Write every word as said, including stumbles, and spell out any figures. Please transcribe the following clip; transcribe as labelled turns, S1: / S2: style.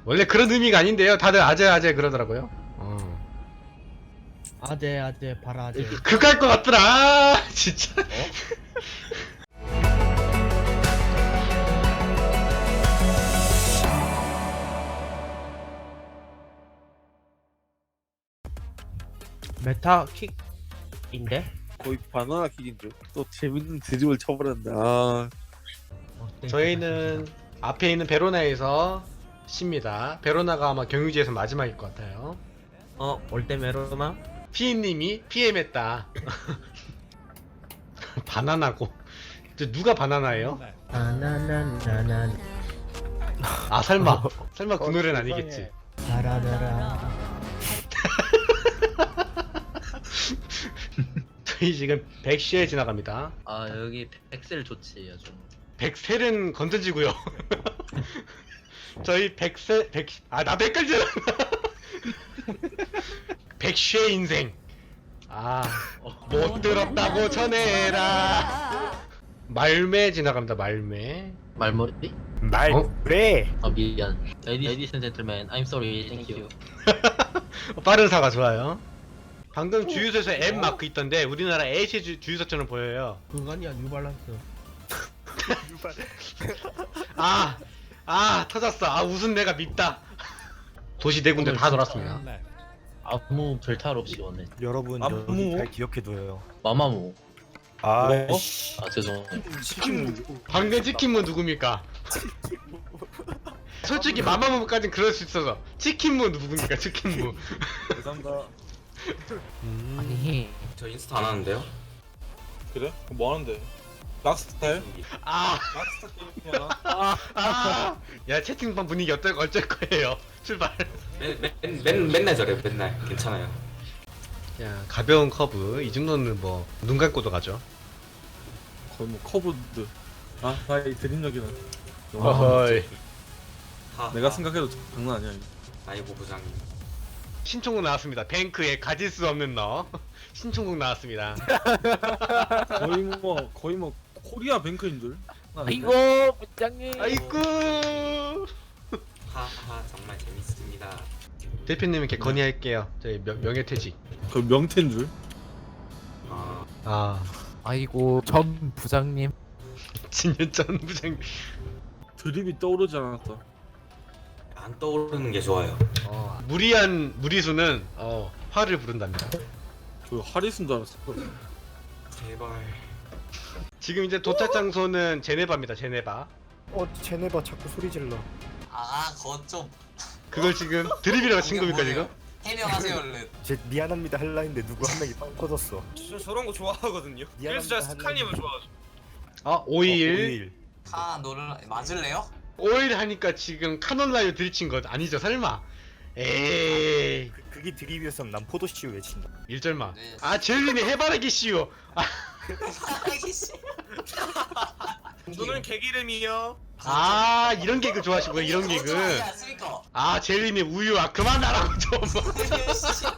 S1: 원래 그런 의미가 아닌데요. 다들 아재 아재 그러더라고요. 어.
S2: 아재 아재 바라재.
S1: 그갈 것 같더라. 아, 진짜.
S2: 메타 킥인데?
S3: 거의 바나나 킥인데 또 재밌는 드립을 쳐버렸네. 아
S2: 어, 땡큐.
S1: 저희는 앞에 있는 베로나에서 쉽니다. 베로나가 아마 경유지에서 마지막일 것 같아요.
S2: 어, 올때 메로나?
S1: 피인님이 피엠했다. 바나나고. 저 누가 바나나예요?
S2: 나나나나나
S1: 아 설마. 설마 그 노래는 아니겠지.
S2: 바라바라.
S1: 저희 지금 백시에 지나갑니다.
S4: 아 여기 엑셀 좋지 아주.
S1: 백셀은 건전지고요. 저희 백세 백아나 백까지 백쉐 인생. 아못 들었다고 전해라. 말매 지나갑니다. 말매.
S4: 말머리?
S5: 말
S1: 어?
S5: 그래.
S4: 아 미안. Ladies and gentlemen, I'm sorry. Thank you.
S1: 빠른 사과 좋아요. 방금 주유소에서 M 마크 있던데 우리나라 H 주, 주유소처럼 보여요.
S2: 그거 아니야 뉴발란스.
S1: 아, 아 터졌어. 아 웃은 내가 밉다. 도시 네 군데 다 돌았습니다.
S4: 아무 별탈 없이 왔네.
S5: 여러분
S3: 아,
S5: 여기
S3: 뭐?
S5: 잘 기억해둬요.
S4: 마마무.
S5: 아,
S3: 뭐?
S5: 씨.
S4: 아 죄송.
S3: 치킨
S1: 방금 치킨무 누굽니까? 솔직히 마마무까진 그럴 수 있어서 치킨무 누굽니까? 치킨무.
S3: 감사합니다.
S1: 음.
S6: 아니 저 인스타 안 하는데요?
S3: 그래? 그럼 뭐 하는데? 락스타일?
S1: 아,
S3: 락스타 게임이야.
S1: 아, 야 채팅방 분위기 어떨 어쩔 거예요. 출발.
S6: 맨, 맨, 맨, 맨날 저래 맨날 괜찮아요.
S1: 야 가벼운 커브 이 정도는 뭐 눈 감고도 가죠.
S3: 거의 뭐 커브드. 아, 나이 드림력이는. 너무
S1: 어허이.
S6: 하,
S3: 내가
S6: 하.
S3: 생각해도 장난 아니야. 이거.
S6: 아이고 부장님.
S1: 신청곡 나왔습니다. 뱅크에 가질 수 없는 너. 신청곡 나왔습니다.
S3: 거의 뭐 거의 뭐 코리아 뱅크인 줄.
S5: 아이고 부장님.
S1: 아이고.
S6: 하하 정말 재밌습니다.
S1: 대표님께 건의할게요. 저희 명, 명예퇴직.
S3: 그 명태인 줄.
S6: 아
S1: 아
S5: 아이고 전 부장님.
S1: 진현전 부장.
S3: 드립이 떠오르지 않았다.
S6: 안 떠오르는 게 좋아요.
S1: 어, 무리한 무리수는 어, 화를 부른답니다.
S3: 그 하리슨 줄 알았어.
S6: 제발.
S1: 지금 이제 도착 장소는 제네바입니다. 제네바.
S5: 어 제네바 자꾸 소리 질러.
S7: 아, 그거 좀
S1: 그걸 지금 드립이라고 친 겁니까 지금?
S7: 해명하세요, 얼른.
S5: 제 미안합니다 할라 했는데 누구 한 명이 빵 터졌어.
S8: 저 저런 거 좋아하거든요. 그래서 제가 스칼님을 좋아하죠.
S1: 아 오일.
S5: 오일.
S7: 카 너를 맞을래요?
S1: 오일 하니까 지금 카놀라유 들이친 것 아니죠 설마? 에이
S5: 그, 그게 드립이었으면 난 포도씨유 외친다.
S1: 일절마.
S7: 네.
S1: 아 젤리니 해바라기 씨요. 아,
S7: 알겠어.
S8: 저는 개기름이요.
S1: 아 이런 개그 좋아하시고요 이런
S7: 그거
S1: 개그.
S7: 좋아하지 않습니까?
S1: 아 젤리니 우유 아 그만 나라고 좀.